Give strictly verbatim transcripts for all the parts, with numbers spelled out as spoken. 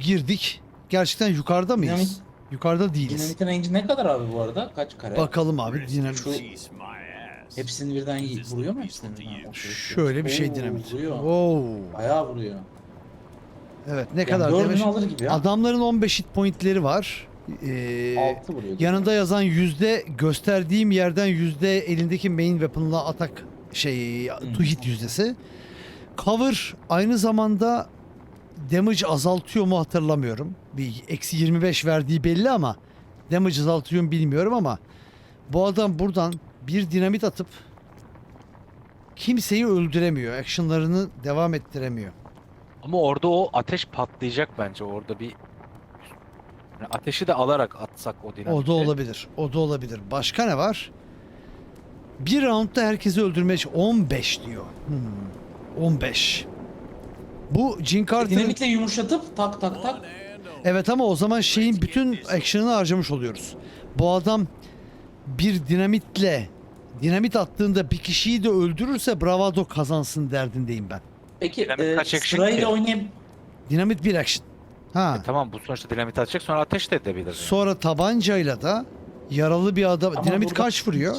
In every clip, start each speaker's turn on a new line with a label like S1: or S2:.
S1: girdik. Gerçekten yukarıda mıyız?
S2: Dinamit-
S1: Yukarıda değiliz.
S2: Dinamitin range'i ne kadar abi bu arada? Kaç kare?
S1: Bakalım abi dinamit.
S2: Şu hepsini birden yi- vuruyor mu hepsini birden? O sırada.
S1: Şöyle bir şey
S2: Oo,
S1: dinamit.
S2: Vuruyor.
S1: Wow.
S2: Bayağı vuruyor.
S1: Evet ne
S2: Yani
S1: kadar
S2: dördünü
S1: demiş?
S2: alır gibi ya.
S1: Adamların on beş hit pointleri var. Ee,
S2: altı vuruyor.
S1: yanında yazan yüzde gösterdiğim yerden yüzde elindeki main weapon'la atak şey to hit yüzdesi. Cover aynı zamanda damage azaltıyor mu hatırlamıyorum. Bir eksi yirmi beş verdiği belli ama damage azaltıyor mu bilmiyorum ama bu adam buradan bir dinamit atıp kimseyi öldüremiyor. Action'larını devam ettiremiyor.
S3: Ama orada o ateş patlayacak bence. Orada bir yani ateşi de alarak atsak o dinamiti.
S1: O da olabilir. O da olabilir. Başka ne var? Bir roundda herkesi öldürmeye çalış- on beş diyor. Hmm. on beş. Bu Jin Carter'ın...
S2: Dinamitle yumuşatıp tak tak tak.
S1: Evet ama o zaman şeyin bütün action'ını harcamış oluyoruz. Bu adam bir dinamitle dinamit attığında bir kişiyi de öldürürse bravado kazansın derdindeyim ben.
S2: Peki
S3: Dinamit
S2: e,
S3: kaç action
S2: sırayla
S3: ki?
S2: oynayıp
S1: Dinamit bir action. Ha.
S3: E tamam bu sonuçta dinamit atacak sonra ateş de edebilir. Yani.
S1: Sonra tabancayla da yaralı bir adam...
S2: Ama
S1: dinamit
S2: burada-
S1: kaç vuruyor?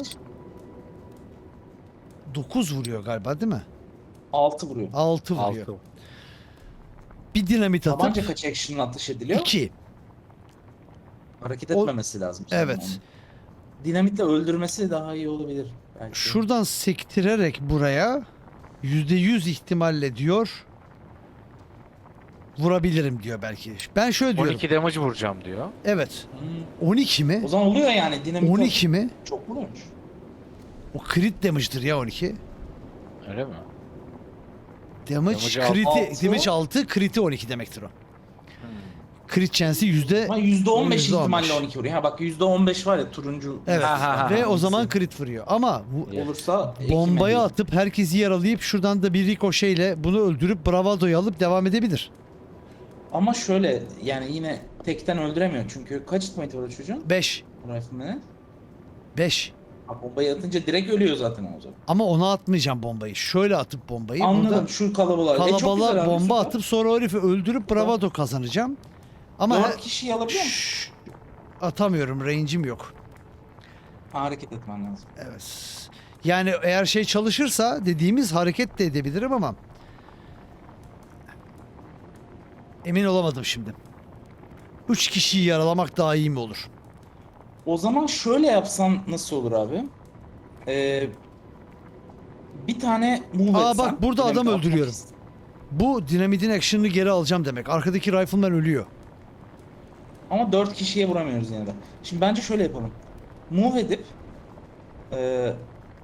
S1: dokuz vuruyor galiba değil mi?
S2: altı vuruyor.
S1: altı vuruyor.
S3: Altı.
S1: Bir dinamit atıp
S2: Tabanca kaç action atış ediliyor?
S1: iki.
S2: Hareket
S1: O-
S2: etmemesi lazım. sanırım
S1: Evet.
S2: onun. Dinamitle öldürmesi daha iyi olabilir. Belki.
S1: Şuradan sektirerek buraya yüzde yüz ihtimalle diyor vurabilirim diyor belki. Ben şöyle diyorum.
S3: on iki damage vuracağım diyor.
S1: Evet.
S2: Hmm.
S1: on iki mi?
S2: O zaman oluyor yani dinamit.
S1: on iki mi?
S2: Çok vuruyormuş.
S1: O crit damage'dır ya on iki.
S3: Öyle mi?
S1: Damage,
S3: Damage
S1: crit'i,
S2: altı.
S1: damage altı, crit'i on iki demektir o. Crit chance'i yüzde...
S2: Ama yüzde on beş
S1: yüzde on beş.
S2: ihtimalle on iki vuruyor. Ha bak yüzde on beş var ya turuncu.
S1: Evet.
S3: Ha, ha, ha.
S1: Ve o zaman crit vuruyor. Ama bu
S2: olursa
S1: bombayı
S2: ekime
S1: atıp herkesi yaralayıp şuradan da bir rikoşeyle bunu öldürüp bravadoyu alıp devam edebilir.
S2: değil. Ama şöyle yani yine tekten öldüremiyor. Çünkü kaç hit point var o çocuğun?
S1: beş.
S2: Rifleman'e.
S1: beş.
S2: Ha, bombayı atınca direkt ölüyor zaten o zaman.
S1: Ama ona atmayacağım bombayı. Şöyle atıp bombayı.
S2: Anladım
S1: Burada
S2: şu kalabalığa. E, çok güzel
S1: kalabalığa
S2: abi,
S1: bomba
S2: süper.
S1: atıp sonra o herifi öldürüp bravado kazanacağım. Ama
S2: Dört kişiyi alabiliyor musun?
S1: Şşş, atamıyorum. Range'im yok.
S2: Ha, hareket etmen lazım.
S1: Evet. Yani eğer şey çalışırsa dediğimiz hareket de edebilirim ama emin olamadım şimdi. Üç kişiyi yaralamak daha iyi mi olur?
S2: O zaman şöyle yapsan nasıl olur abi? Ee, bir tane move
S1: Aa,
S2: etsen.
S1: bak burada
S2: dinamit
S1: adam
S2: atmak
S1: öldürüyorum.
S2: ist-
S1: Bu dinamitin action'ını geri alacağım demek. Arkadaki rifleman ölüyor.
S2: Ama dört kişiye vuramıyoruz yine de. Şimdi bence şöyle yapalım. Move edip e,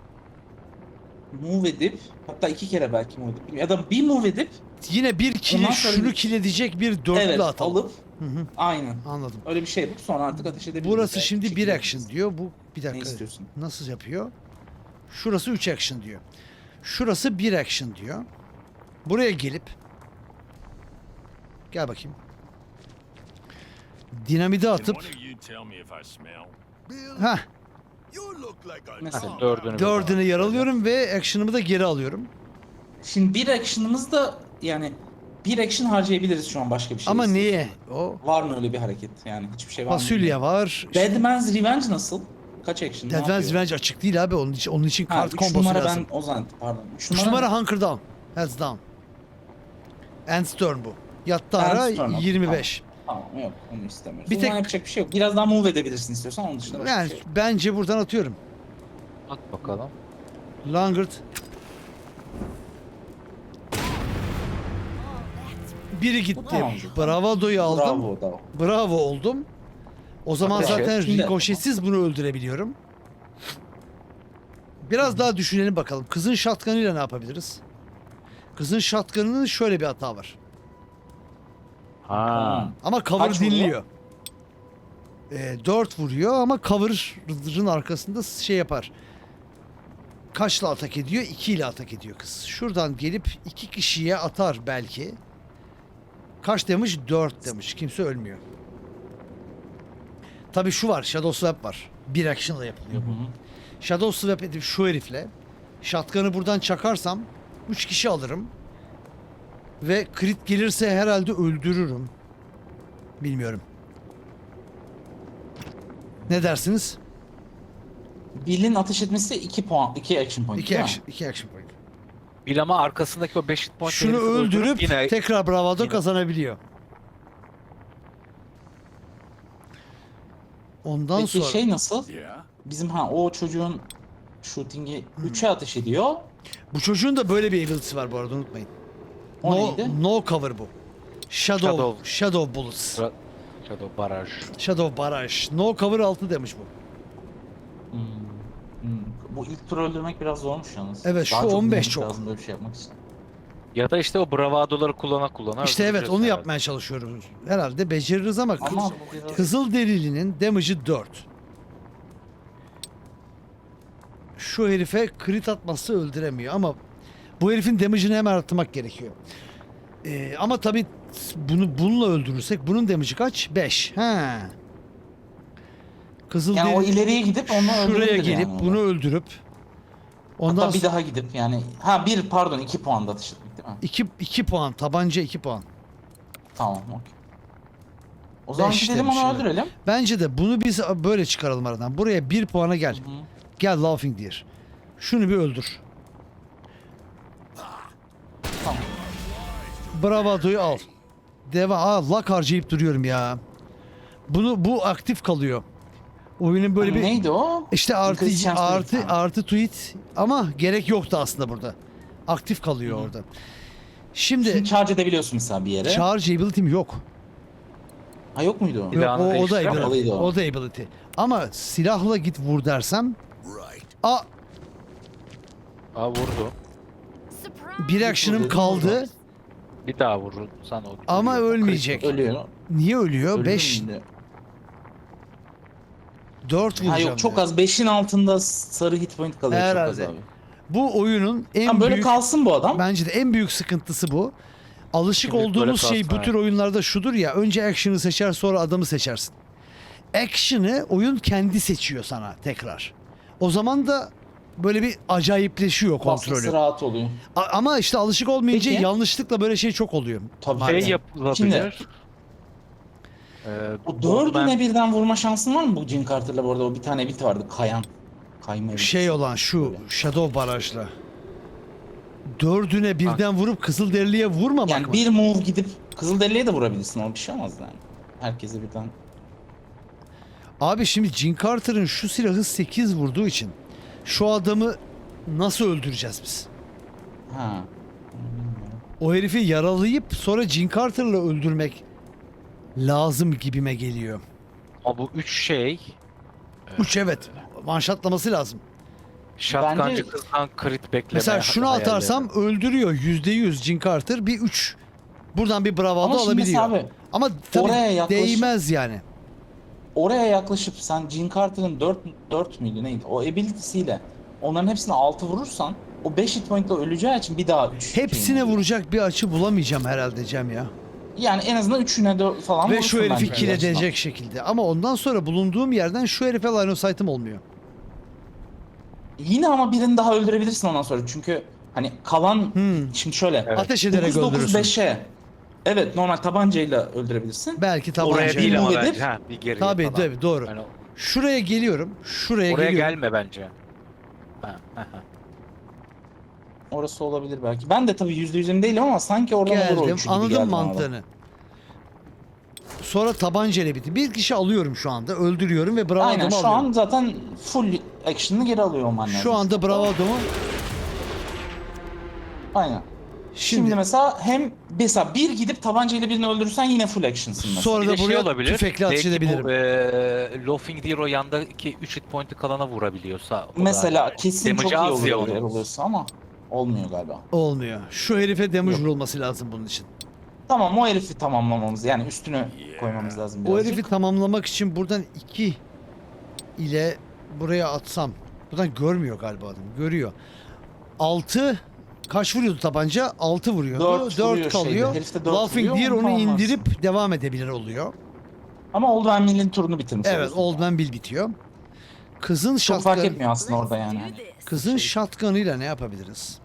S2: move edip hatta iki kere belki move edip ya da bir move edip
S1: Yine bir kili
S2: Ondan sonra
S1: şunu
S2: bir-
S1: kiledecek bir dörtlü
S2: evet
S1: atalım.
S2: alıp
S1: Hı hı,
S2: aynen.
S1: anladım.
S2: Öyle bir şey yapıp sonra artık ateş edebiliriz.
S1: Burası
S2: belki.
S1: şimdi bir
S2: Çekilebiliriz.
S1: action diyor. Bu bir
S2: Ne
S1: dakika.
S2: istiyorsun?
S1: Nasıl yapıyor? Şurası üç action diyor. Şurası bir action diyor. Buraya gelip gel bakayım. Dinamidi atıp ha
S2: Mesela.
S3: Dördünü.
S1: dördünü yaralıyorum ve action'ımı da geri alıyorum.
S2: Şimdi bir action'ımız da yani bir action harcayabiliriz şu an başka bir şey.
S1: Ama
S2: istiyorsan.
S1: niye? O
S2: Var mı öyle bir hareket? Yani hiçbir şey var mı?
S1: fasulye var.
S2: Dead Man's Revenge nasıl? Kaç action? Ne
S1: Dead Man's
S2: yapıyor?
S1: Revenge açık değil abi. Onun için, onun için
S2: Ha,
S1: kart
S2: üç
S1: kombosu
S2: numara
S1: lazım.
S2: ben o zaman pardon. üç
S1: üç numara Hunker Down. Heads Down. End's Turn bu. Yattı ara
S2: End's Turn,
S1: yirmi beş.
S2: Tamam yok onu istemiyoruz.
S1: Bir
S2: Bir tek
S1: tek-
S2: yapacak bir şey yok. Biraz daha move edebilirsin istiyorsan onun dışında başka
S1: Yani
S2: bir şey yok.
S1: bence buradan atıyorum.
S3: At bakalım.
S1: Langert. Biri gitti.
S2: Tamam.
S1: Bravado'yu aldım.
S2: Bravo bravo.
S1: Bravo oldum. O zaman
S3: Ateş et.
S1: zaten
S2: Şimdi-
S1: rikoşetsiz bunu öldürebiliyorum. Biraz daha düşünelim bakalım. Kızın shotgun'ıyla ne yapabiliriz? Kızın shotgun'ının şöyle bir hata var.
S3: Ha.
S1: Ama cover
S2: Kaç vuruyor?
S1: dinliyor. Ee, dört vuruyor ama cover'ın arkasında şey yapar. Kaçla atak ediyor? iki ile atak ediyor kız. Şuradan gelip iki kişiye atar belki. Kaç demiş? dört demiş. Kimse ölmüyor. Tabii şu var. Shadow Swap var. Bir action'la yapılıyor bu. Shadow Swap edip şu herifle shotgun'ı buradan çakarsam üç kişi alırım. Ve crit gelirse herhalde öldürürüm. Bilmiyorum. Ne dersiniz?
S2: Bill'in ateş etmesi iki puan, iki action point
S1: İki
S2: değil mi?
S1: action, iki action point.
S3: Bil ama arkasındaki o beş hit point
S1: Şunu
S3: herifi
S1: öldürüp
S3: yine
S1: tekrar bravado
S3: yine-
S1: kazanabiliyor. Ondan
S2: Peki
S1: sonra
S2: şey nasıl?
S4: Yeah.
S2: Bizim ha o çocuğun shooting'i
S1: Hmm.
S2: üçe ateş ediyor.
S1: bu çocuğun da böyle bir ability'si var bu arada, unutmayın.
S2: O
S1: no,
S2: neydi?
S1: no cover bu. Shadow, Shadow,
S3: Shadow.
S1: bullets.
S3: Ra- Shadow baraj.
S1: Shadow barrage. No cover altı demiş bu.
S2: Hmm. Hmm. Bu ilk tur öldürmek biraz zormuş yalnız.
S1: Evet, şu
S2: Daha çok
S1: on beş
S2: dinamik
S1: çok.
S2: lazım böyle bir şey yapmak için.
S3: Ya da işte o bravadoları kullana kullana
S1: İşte evet,
S3: öldüreceğiz
S1: onu
S3: herhalde.
S1: yapmaya çalışıyoruz. Herhalde beceririz ama,
S2: Ama
S1: kız,
S2: bu biraz...
S1: Kızıl Derili'nin damage'ı dört. Şu herife crit atması öldüremiyor ama bu herifin damage'ını hemen arttırmak gerekiyor. Ee, ama tabii bunu bununla öldürürsek bunun damage'ı kaç? beş. He. Kızıl
S2: Yani o
S1: Derili
S2: ileriye gidip onu
S1: şuraya
S2: öldürebilir
S1: gelip
S2: yani
S1: bunu
S2: orada.
S1: öldürüp ondan
S2: Hatta bir
S1: sonra
S2: daha gidip yani ha bir pardon iki puan da atış etmek değil mi?
S1: iki, iki puan, tabanca iki puan.
S2: Tamam okey. O zaman
S1: Beş
S2: gidelim
S1: demiş,
S2: onu
S1: evet.
S2: öldürelim.
S1: Bence de bunu biz böyle çıkaralım aradan. Buraya bir puana gel.
S2: Hı.
S1: Gel Laughing Deer. Şunu bir öldür.
S2: Tamam.
S1: Bravado'yu al. Deva, aa, lak harcayıp duruyorum ya. Bunu bu aktif kalıyor. Oyunun böyle bir
S2: Neydi o?
S1: işte artı
S2: Increase chance
S1: artı
S2: rate, ha.
S1: artı tweet ama gerek yoktu aslında burada. Aktif kalıyor
S2: Hı hı.
S1: orada.
S2: Şimdi
S1: Şimdi
S2: charge edebiliyorsun mesela bir yere.
S1: charge ability'm yok.
S2: Ha yok muydu o?
S1: Yok,
S3: Silahını
S1: o, o da
S3: değiştiren
S1: ability.
S2: oluydu o.
S1: O da ability. Ama silahla git vur dersem
S4: Right.
S1: a
S3: Aa vurdu.
S1: bir action'ım
S2: vurdum,
S1: kaldı
S2: vurdum.
S3: Bir daha vurursan o.
S1: ama
S3: ölüyor.
S1: ölmeyecek.
S2: Ölüyor.
S1: Niye ölüyor?
S2: Ölür
S1: beş
S2: müydü?
S1: dört
S2: Ha
S1: vuracağım.
S2: yok çok
S1: diyor.
S2: az. beşin altında sarı hit point kalıyor
S1: Herhalde.
S2: çok az abi.
S1: Bu oyunun en
S2: Tam böyle
S1: büyük
S2: kalsın bu adam.
S1: bence de en büyük sıkıntısı bu. Alışık
S3: Şimdilik böyle
S1: olduğumuz şey
S3: kalsın,
S1: bu tür
S3: evet.
S1: oyunlarda şudur ya, önce action'ı seçer sonra adamı seçersin. Action'ı oyun kendi seçiyor sana tekrar. O zaman da böyle bir acayipleşiyor
S2: Kontrolü.
S1: kontrolü.
S2: rahat oluyor.
S1: A- ama işte alışık olmayınca
S2: Peki.
S1: yanlışlıkla böyle şey çok oluyor.
S2: Tabii.
S3: Şey
S2: Aynen.
S3: yapılabilir.
S2: Şimdi-
S3: Ee,
S2: O
S3: onu
S2: dördüne
S3: ben-
S2: birden vurma şansın var mı bu Jim Carter'la bu arada? O bir tane bit vardı. Kayan. Kayma bit.
S1: Şey olan şu
S2: Böyle.
S1: Shadow barajla. Dördüne birden vurup Kızılderili'ye vurmamak
S2: Yani
S1: mı?
S2: bir move gidip Kızılderili'ye de vurabilirsin. O bir şey olmaz yani. Herkese birden.
S1: Abi şimdi Jim Carter'ın şu silahı sekiz vurduğu için şu adamı nasıl öldüreceğiz biz?
S2: Ha.
S1: O herifi yaralayıp sonra Jim Carter'la öldürmek lazım gibime geliyor.
S3: Ama bu üç şey
S1: Üç evet. Manşatlaması lazım.
S3: şatkancı
S2: Bence-
S3: kızdan crit bekleme.
S1: Mesela şunu
S3: hayalleri.
S1: atarsam öldürüyor yüzde yüz Jim Carter, bir üç. Buradan bir bravado
S2: Ama şimdi
S1: alabiliyor.
S2: mesela abi
S1: Ama tabii
S2: oraya yaklaşıp-
S1: değmez yani.
S2: oraya yaklaşıp sen Jim Carter'ın dört dört müydü neydi? O ability'siyle onların hepsine altı vurursan o beş hit point'la öleceği için bir daha üç.
S1: Hepsine vuracak bir açı bulamayacağım herhalde Cem ya.
S2: Yani en azından üçüne dört falan
S1: Ve
S2: vurursun
S1: şu herifi
S2: bence
S1: kill
S2: bir açıdan.
S1: edecek şekilde. Ama ondan sonra bulunduğum yerden şu herife line of sight'ım olmuyor.
S2: Yine ama birini daha öldürebilirsin ondan sonra çünkü hani kalan
S1: Hmm.
S2: şimdi şöyle
S3: Evet.
S1: Ateş ederek
S2: dokuz dokuz
S1: öldürürsün.
S2: beşe evet normal tabancayla öldürebilirsin.
S1: Belki
S3: Oraya
S1: tabanca.
S3: değil ama
S2: Move edip-
S3: bence. Ha, bir geriye
S1: Tabii
S3: falan.
S1: tabii doğru.
S3: Yani
S1: Şuraya geliyorum. Şuraya
S3: oraya
S1: geliyorum.
S3: gelme bence. Ha, ha, ha.
S2: Orası olabilir belki. Ben de tabii yüzde yüz emin değilim ama sanki oradan olur o
S1: Geldim.
S2: üçü gibi
S1: Anladım
S2: geldi bana da.
S1: mantığını. Sonra tabancayla bitti. Bir kişi alıyorum şu anda. Öldürüyorum ve bravadomu
S2: Aynen şu
S1: alıyorum.
S2: an zaten full action'ını geri alıyor olman lazım.
S1: Şu anda bravadomu
S2: Aynen. Şimdi,
S1: şimdi,
S2: mesela hem mesela bir gidip tabancayla birini öldürürsen yine full action'sın mesela.
S1: sonra
S3: Bir
S1: da
S3: de şey
S1: buraya
S3: olabilir.
S1: tüfekle ateş
S3: Belki
S1: edebilirim.
S3: bu e, Laughing Deer o yandaki üç hit point'i kalana vurabiliyorsa. o da-
S2: Mesela kesin çok iyi
S3: Damage'ı az
S2: olur
S3: ya
S2: eğer
S3: onun.
S2: oluyorsa ama olmuyor galiba.
S1: Olmuyor. Şu herife damage
S2: Yok.
S1: vurulması lazım bunun için.
S2: Tamam o herifi tamamlamamız yani üstünü koymamız lazım
S1: O
S2: birazcık.
S1: herifi tamamlamak için buradan iki ile buraya atsam. Buradan görmüyor galiba adam. Görüyor. altı kaç vuruyordu tabanca? altı vuruyordu.
S2: Dört
S1: dört
S2: vuruyor
S1: kalıyor.
S2: şeyde. Herif de dört
S1: Laughing
S2: vuruyor,
S1: Deer
S2: onu
S1: onu
S2: tamamlarsın.
S1: indirip devam edebilir oluyor.
S2: Ama Old Man Mill'in turunu bitirmiş
S1: Evet,
S2: oluyorsun.
S1: Old Man Bill bitiyor. Kızın
S2: Çok fark
S1: shotgun,
S2: etmiyor aslında orada yani. Hani.
S1: kızın shotgun'ıyla ne yapabiliriz?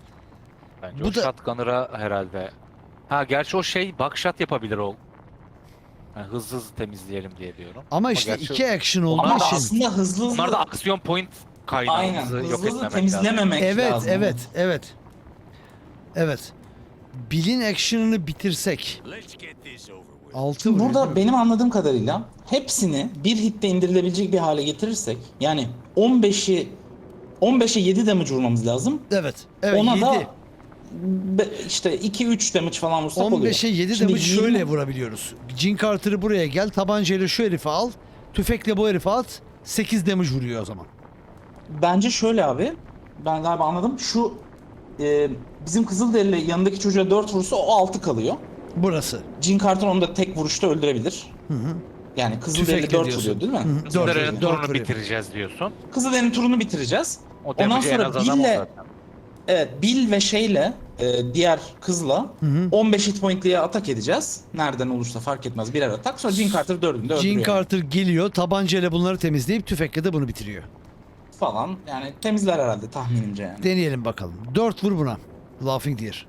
S3: Bence
S1: Bu
S3: o
S1: da-
S3: shotgunner'a herhalde. Ha gerçi o şey buckshot yapabilir o. Yani hızlı hızlı temizleyelim diye diyorum.
S1: Ama işte
S3: gerçi
S1: iki action olduğu
S2: Ama
S1: için.
S2: aslında hızlı hızlı,
S3: Bunlar da aksiyon point kaynağı.
S2: aynen
S3: Hızlı
S2: hızlı
S3: yok
S2: hızlı
S3: etmemek lazım.
S2: temizlememek
S1: Evet,
S2: lazım.
S1: evet, evet. Evet. Bill'in action'ını bitirsek. altı
S2: Şimdi
S1: vuruyor,
S2: burada
S1: değil mi?
S2: benim anladığım kadarıyla hepsini bir hitte indirilebilecek bir hale getirirsek, yani on beşi on beşe yedi damage vurmamız lazım.
S1: Evet. Evet,
S2: Ona
S1: yedi.
S2: da be- işte iki üç damage falan vursak oluyor.
S1: on beşe yedi
S2: Şimdi
S1: damage
S2: yirmi
S1: şöyle vurabiliyoruz. Jin Carter'ı buraya gel, tabancayla şu herifi al, tüfekle bu herifi at, sekiz damage vuruyor o zaman.
S2: Bence şöyle abi. Ben galiba anladım. Şu e, bizim Kızılderili yanındaki çocuğa dört vurursa o altı kalıyor.
S1: Burası.
S2: Jin Carter onu da tek vuruşta öldürebilir.
S1: Hı hı.
S2: Yani Kızılderili
S1: Tüfekle
S2: dört
S1: diyorsun.
S2: vuruyor değil mi?
S1: Hı hı. Dört
S3: Kızılderili'nin
S1: vuruyor, dört
S3: turunu
S1: vuruyor.
S3: bitireceğiz diyorsun.
S2: Kızılderili'nin turunu bitireceğiz.
S3: O
S2: Ondan
S3: damage'i en
S2: sonra
S3: az adam o
S2: Bill'le
S3: zaten.
S2: evet, Bill ve şeyle e, diğer kızla
S1: Hı hı.
S2: on beş hit point'liye atak edeceğiz. Nereden olursa fark etmez, birer atak. Sonra Jin Carter dördünü de öldürüyor.
S1: Jin Carter geliyor, tabancayla bunları temizleyip tüfekle de bunu bitiriyor.
S2: falan. Yani temizler herhalde tahminimce yani.
S1: Deneyelim bakalım. dört vur buna. Laughing Deer.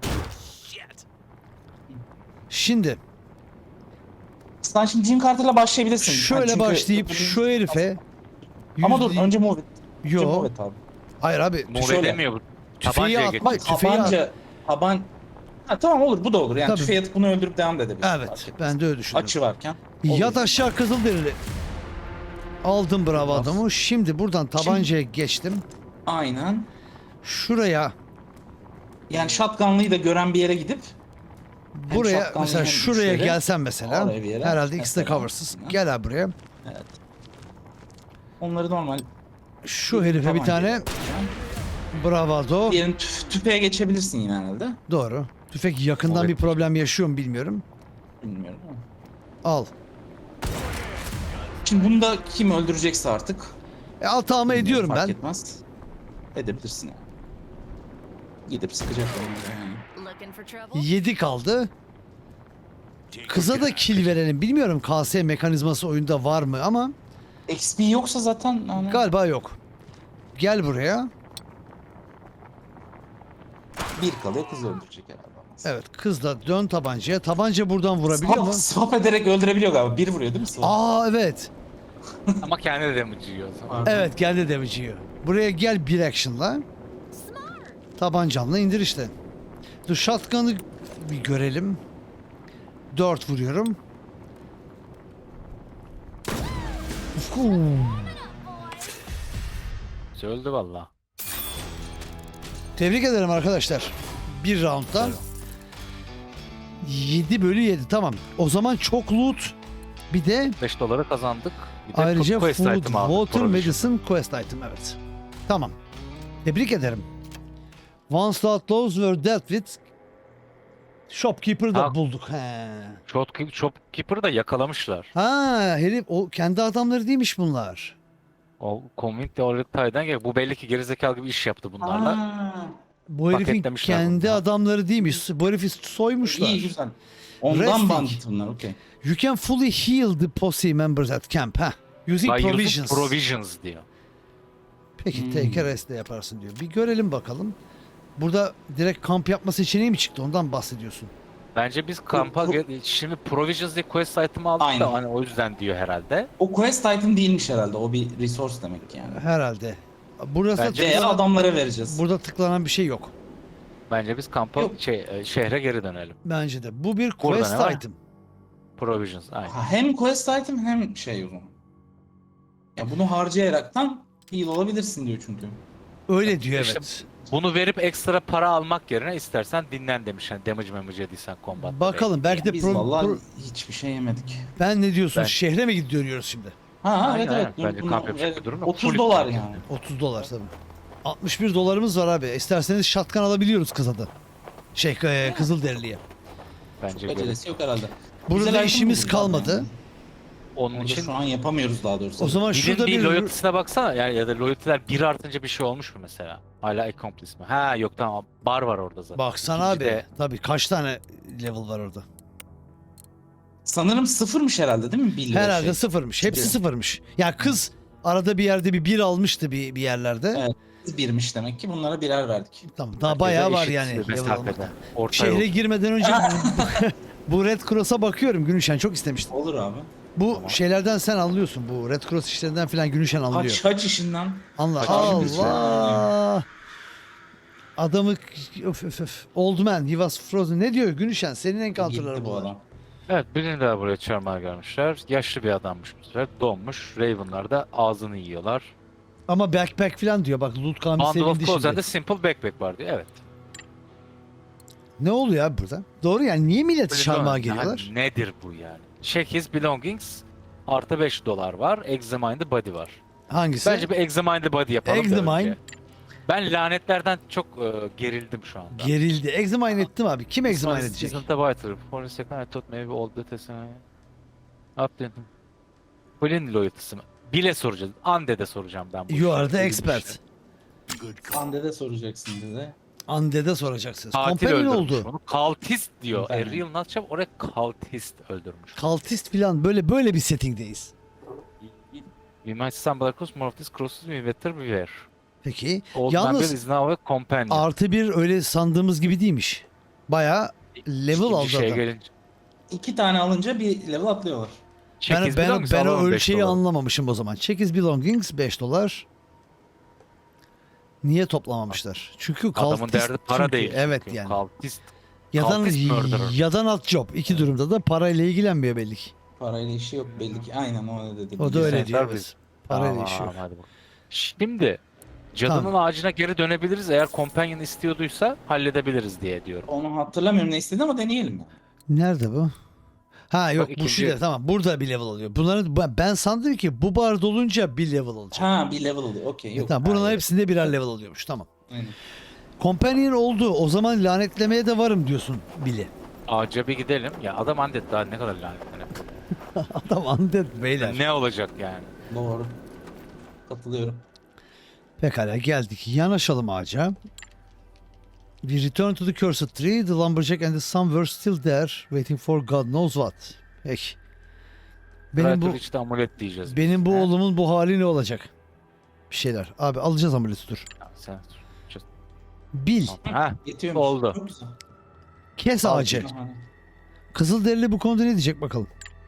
S1: Şimdi
S2: Sen şimdi Jim Carter'la başlayabilirsin.
S1: şöyle
S2: Yani çünkü-
S1: başlayıp şu herife
S2: Ama dur
S1: yüzde-
S2: önce move it. Önce
S1: Yo.
S2: move it abi.
S1: Hayır abi.
S3: Move
S2: Şöyle.
S3: edemiyor bu.
S1: Tüfeği
S3: Tabancaya
S1: atmak-
S3: geçiyor.
S1: Tüfeği
S2: Tabanca, taban... Ha, tamam olur, bu da olur. Yani
S1: Tabii.
S2: tüfeği atıp bunu öldürüp devam da edebilirsin. fark
S1: Evet.
S2: etmez.
S1: Ben de öyle düşünüyorum.
S2: Açı varken.
S1: Yat
S2: olur.
S1: aşağı Kızılderili. Aldım bravo
S2: Tamam.
S1: adamı. Şimdi buradan tabancaya geçtim.
S2: Aynen.
S1: Şuraya,
S2: Yani shotgunlıyı da gören bir yere gidip hem
S1: buraya
S2: shotgunlı
S1: mesela
S2: hem
S1: şuraya
S2: güçleri
S1: gelsen mesela.
S2: oraya bir yere
S1: Herhalde ikisi de
S2: mesela.
S1: coversız.
S2: Hı.
S1: Gel abi buraya.
S2: evet. Onları normal
S1: Şu herife bir
S2: tabancayla
S1: tane
S2: yapacağım.
S1: bravado.
S2: Diğerini tüf- tüfeğe geçebilirsin yine herhalde.
S1: Doğru. Tüfek yakından
S3: Evet.
S1: bir problem yaşıyor mu bilmiyorum.
S2: Bilmiyorum ama.
S1: Al.
S2: Şimdi bunu da kim öldürecekse artık.
S1: E, atağımı ediyorum
S2: fark
S1: ben.
S2: etmez. Edebilirsin yani. Gidip sıkacak onları yani.
S4: Looking for trouble?
S1: yedi kaldı. Kıza da kill verelim. Bilmiyorum K S mekanizması oyunda var mı ama
S2: X P yoksa zaten hani
S1: galiba yok. Gel buraya.
S2: bir kalıyor, kız öldürecek herhalde.
S1: Evet, kız da dön tabancaya. Tabanca buradan vurabiliyor
S2: Swap,
S1: mu?
S2: swap ederek öldürebiliyor galiba. Bir vuruyor değil mi swap?
S1: Aa evet.
S3: Ama kendi de damage yiyor o zaman.
S1: Evet geldi damage yiyor. Buraya gel bir action'la. Tabancanla indir işte. Dur shotgun'ı bir görelim. dört vuruyorum. Ufuu.
S3: Öldü valla.
S1: Tebrik ederim arkadaşlar. Bir roundda. yedi bölü yedi tamam. O zaman çok loot. Bir de
S3: beş doları kazandık. Bir de
S1: ayrıca
S3: quest
S1: food,
S3: item aldık,
S1: water,
S3: provision.
S1: medicine, quest item evet. Tamam. Tebrik ederim. Once the outlaws were dealt with, shopkeeper'ı da
S3: Ha.
S1: bulduk. He.
S3: Shop- Shopkeeper'ı da yakalamışlar.
S1: Ha herif o kendi adamları değilmiş bunlar.
S3: O Community Oritay'dan gel. Bu belli ki gerizekalı gibi iş yaptı bunlarla.
S2: Aa,
S1: Bu herifin
S3: Paketlemişler
S1: kendi
S3: bunu.
S1: adamları değilmiş. Bu herifi soymuşlar.
S2: iyi güzel. Ondan
S1: Resting.
S2: bandit bunlar, okey.
S1: You can fully heal the posse members at camp. Ha. Using
S3: By using
S1: provisions.
S3: provisions diyor.
S1: Peki
S2: Hmm.
S1: take a rest de yaparsın diyor. Bir görelim bakalım. Burada direkt kamp yapma seçeneği mi çıktı? Ondan bahsediyorsun.
S3: Bence biz kampa
S2: pro-
S3: gel- şimdi provisions diye quest item aldık
S2: Aynen.
S3: da hani o yüzden diyor herhalde.
S2: O quest item değilmiş herhalde. O bir resource demek yani.
S1: Herhalde. Burası
S3: Bence
S2: Veya
S1: tıklanan,
S2: adamlara vereceğiz.
S1: burada tıklanan bir şey yok.
S3: Bence biz kampa
S2: Yok.
S3: şey e, şehre geri dönelim.
S1: Bence de. Bu bir
S3: Burada
S1: quest
S3: ne var?
S1: item.
S3: Provisions aynen.
S2: Ha, hem quest item hem şey o zaman. Ya bunu harcayaraktan heal olabilirsin diyor çünkü.
S1: Öyle diyor
S3: İşte
S1: evet.
S3: Bunu verip ekstra para almak yerine istersen dinlen demiş. Yani damage mamage yediysen combat.
S1: Bakalım belki de
S2: Biz
S1: pro-
S2: vallahi
S1: pro-
S2: hiçbir şey yemedik.
S1: ben ne diyorsun?
S3: Ben-
S1: Şehre mi gidiyoruz şimdi?
S2: Ha
S3: Aynen,
S2: evet evet.
S3: aynen. Bence
S2: Bunu-
S3: kamp yapacak
S2: evet,
S3: bir durum yok.
S2: otuz
S3: Full
S2: dolar
S3: kamp
S2: yani.
S1: otuz dolar tabii. altmış bir dolarımız var abi. İsterseniz shotgun alabiliyoruz kıza da. Şey e, Kızılderili'ye.
S3: Bence
S2: Çok
S3: böyle.
S2: acelesi yok herhalde.
S1: Burada
S2: Güzel item
S1: işimiz
S2: bulduk
S1: kalmadı.
S2: yani.
S3: Onun
S2: Orada
S3: için
S2: şu an yapamıyoruz daha doğrusu.
S1: O zaman
S3: Bill'in
S1: şurada
S3: bir
S1: bir
S3: loyalty'sine baksana yani ya da loyalty'ler bir artınca bir şey olmuş mu mesela? Hala accomplice mi? Ha yok tamam bar var orada zaten.
S1: baksana abi.
S3: İkincide-
S1: Tabii kaç tane level var orada?
S2: Sanırım sıfırmış herhalde değil mi Bill?
S1: Herhalde
S2: şey?
S1: sıfırmış. Hepsi
S2: Bir.
S1: sıfırmış. Ya kız arada bir yerde bir bir almıştı bir bir yerlerde.
S2: Evet. Birmiş demek ki, bunlara birer verdik.
S1: Tamam daha
S3: Herkese
S1: bayağı var
S3: eşit
S1: yani. level
S3: mesafede.
S1: almakta.
S3: Orta
S1: Şehre
S3: yol.
S1: girmeden önce Bu Red Cross'a bakıyorum Günüşen, çok istemiştim.
S2: Olur abi.
S1: Bu
S3: Tamam.
S1: şeylerden sen anlıyorsun, bu Red Cross işlerinden falan Günüşen anlıyor.
S2: Kaç kaç işinden.
S1: Anla.
S3: Kaç
S1: Allah. Adamı öf öf öf. Old man, he was frozen. Ne diyor Günüşen? Senin encounter'ları
S2: Gitti bu
S1: bunlar.
S2: adam.
S3: Evet, birini daha buraya çarmıha gelmişler. Yaşlı bir adammış bu sefer. Donmuş. Raven'lar da ağzını yiyorlar.
S1: Ama backpack falan diyor. Bak loot kami
S3: Bundle of
S1: sevindi
S3: Clothes and
S1: şimdi.
S3: a Simple Backpack var diyor. Evet.
S1: Ne oluyor abi burada? Doğru yani, niye milleti
S3: Böyle
S1: çarmıha
S3: yani
S1: geliyorlar?
S3: nedir bu yani? Check his belongings. Artı beş dolar var. Examine the body var.
S1: Hangisi?
S3: Bence bir examine the body yapalım da
S1: Examine.
S3: önce. Ben lanetlerden çok e, gerildim şu anda.
S1: Gerildi. Examine ettim abi. Kim examine
S3: This
S1: edecek?
S3: isn't a vital. For a second I thought maybe all the tests. Updated. Colin loyalty'sı mı? Bile soracağız. Undead'e soracağım ben bu
S1: You
S3: işi.
S1: are the
S3: Bildim
S1: expert.
S3: işte.
S2: Hande'de soracaksın dedi.
S1: Undead'e soracaksınız.
S3: Katil
S1: Companion
S3: öldürmüş
S1: oldu.
S3: onu. Kaltist diyor. A
S2: Companion.
S3: real nutshell oraya kaltist öldürmüş.
S1: Kaltist falan, böyle böyle bir settingdeyiz.
S3: We might stumble across more of these crosses we better beware.
S1: Peki.
S3: Old Man Bill
S1: Yalnız
S3: is now a companion.
S1: artı bir öyle sandığımız gibi değilmiş. Baya level
S3: İkinci
S1: aldı
S3: şeye
S1: adam.
S3: gelince.
S2: İki tane alınca bir level atlıyorlar.
S3: Check
S1: Ben,
S3: his
S1: ben,
S3: belongings,
S1: ben o
S3: alalım beş
S1: ölçeği
S3: dolar.
S1: anlamamışım o zaman. Check his belongings beş dolar. Niye toplamamışlar? Çünkü
S3: Adamın
S1: kaltist
S3: derdi para
S1: çünkü.
S3: değil.
S1: Evet
S3: çünkü.
S1: yani.
S3: Kaltist.
S1: Yadan,
S3: kaltist murderer.
S1: yadan alt job. İki durumda da parayla ilgilenmiyor belli ki.
S2: Parayla işi yok belli ki. Aynen o öyle dedi.
S1: O da öyle
S3: Güzel,
S1: diyor.
S3: tabii.
S1: Evet. Parayla işi yok.
S3: Tamam, hadi bakalım. Şimdi cadının
S1: Tamam.
S3: ağacına geri dönebiliriz. Eğer companion istiyorduysa halledebiliriz diye diyorum.
S2: Onu hatırlamıyorum ne istedi ama deneyelim ya.
S1: Nerede bu? Ha yok,
S3: Bak,
S1: bu
S3: ikinci-
S1: şu değil, tamam, burada bir level alıyor. Bunları ben- ben sandım ki bu bar dolunca bir level alacak.
S2: Ha bir level oluyor. Okey
S1: E,
S2: yok.
S1: tamam, bunların
S2: Hayır.
S1: hepsinde birer level alıyormuş, tamam.
S2: Aynen.
S1: Companion oldu, o zaman lanetlemeye de varım diyorsun Billy.
S3: Ağaca bir gidelim. Ya adam undead daha ne kadar lanetlenir.
S1: Adam undead beyler.
S3: Ne olacak yani?
S2: Doğru. Katılıyorum.
S1: Pekala, geldik. Yanaşalım ağaca. We return to the cursed tree. The lumberjack and the son were still there, waiting for God knows what. Peki. Benim bu
S3: Benim bu... amulet diyeceğiz.
S1: benim bu
S2: He?
S1: oğlumun bu hali ne olacak? Bir şeyler. Abi alacağız amuleti, dur.
S3: Ya sen...
S1: Bil.
S3: Ha,
S2: Yetiyormuş.
S3: oldu.
S2: Çok güzel.
S1: Kes ağacı.
S2: Aha.
S1: Kızılderili bu konuda ne diyecek bakalım.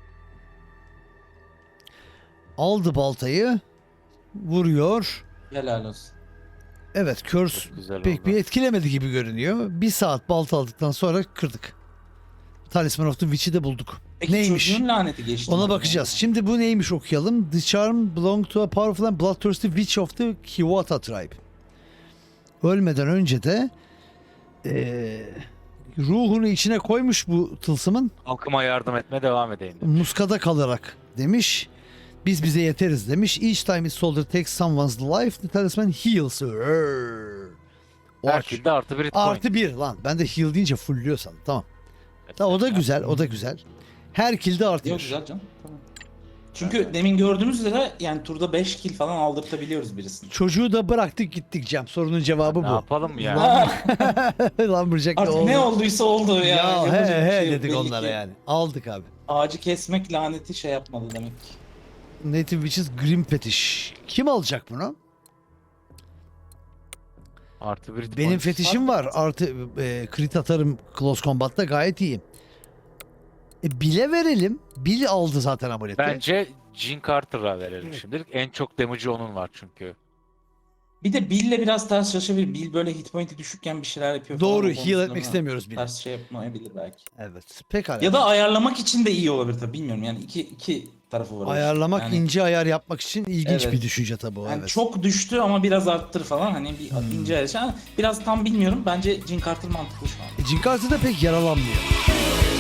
S1: Aldı baltayı. Vuruyor.
S2: Helal olsun.
S1: Evet, curse
S3: Çok güzel
S1: pek
S3: oldu.
S1: bir etkilemedi gibi görünüyor. Bir saat balta aldıktan sonra kırdık. Talisman of the Witch'i de bulduk.
S2: Peki
S1: Neymiş?
S2: çocuğun laneti geçti.
S1: Ona
S2: mi?
S1: bakacağız. Şimdi bu neymiş okuyalım. The charm belonged to a powerful and bloodthirsty witch of the Hiwata tribe. Ölmeden önce de eee, ruhunu içine koymuş bu tılsımın.
S3: Halkıma yardım etmeye devam edeyim. dedim.
S1: Muskada kalarak demiş. Biz bize yeteriz demiş. Each time his soldier takes someone's life, the talisman heals her. O aç-
S3: Herkilde artı bir hit point.
S1: Artı bir lan. Ben de heal deyince fullüyor sandım. Tamam. Ta, o da güzel, o da güzel. Her kill'de artı
S2: Yok
S1: bir.
S2: güzel canım. Tamam. Çünkü demin gördüğümüz üzere yani turda beş kill falan aldırtabiliyoruz birisini.
S1: Çocuğu da bıraktık gittik Cem. Sorunun cevabı
S3: Ne
S1: bu.
S3: yapalım yani?
S1: Lumberjack
S2: Artık
S1: oldu.
S2: ne olduysa oldu ya.
S1: Ya he
S2: Yapacak bir
S1: he
S2: şey yok
S1: dedik
S2: belli
S1: onlara
S2: ki.
S1: yani. Aldık abi.
S2: Ağacı kesmek laneti şey yapmadı demek ki.
S1: Native Witches Grim Fetish. Kim alacak bunu?
S3: Artı bir hit
S1: Benim
S3: point.
S1: fetişim var. Artı e, crit atarım Close Combat'ta, gayet iyiyim. E, Bill'e verelim. Bill aldı zaten amuleti.
S3: Bence Jean Carter'a verelim
S1: Evet.
S3: şimdilik. En çok damage'i onun var çünkü.
S2: Bir de Bill'le biraz ters çalışabilir. Bill böyle hit point'i düşükken bir şeyler yapıyor falan.
S1: Doğru,
S2: O
S1: heal
S2: konusunda
S1: etmek istemiyoruz Bill'i.
S2: Ters şey yapmayabilir belki.
S1: Evet. Pekala.
S2: Ya da ayarlamak için de iyi olabilir tabii bilmiyorum. Yani iki iki tarafı var. o işin.
S1: ayarlamak,
S2: yani,
S1: ince ayar yapmak için ilginç
S2: Evet.
S1: bir düşünce tabii o.
S2: yani
S1: Evet.
S2: çok düştü ama biraz arttır falan. Hani bir
S1: Hmm.
S2: ince ayar. Yani biraz tam bilmiyorum. Bence Jim Carter mantıklı şu an.
S1: E, Jim Carter da pek yaralanmıyor.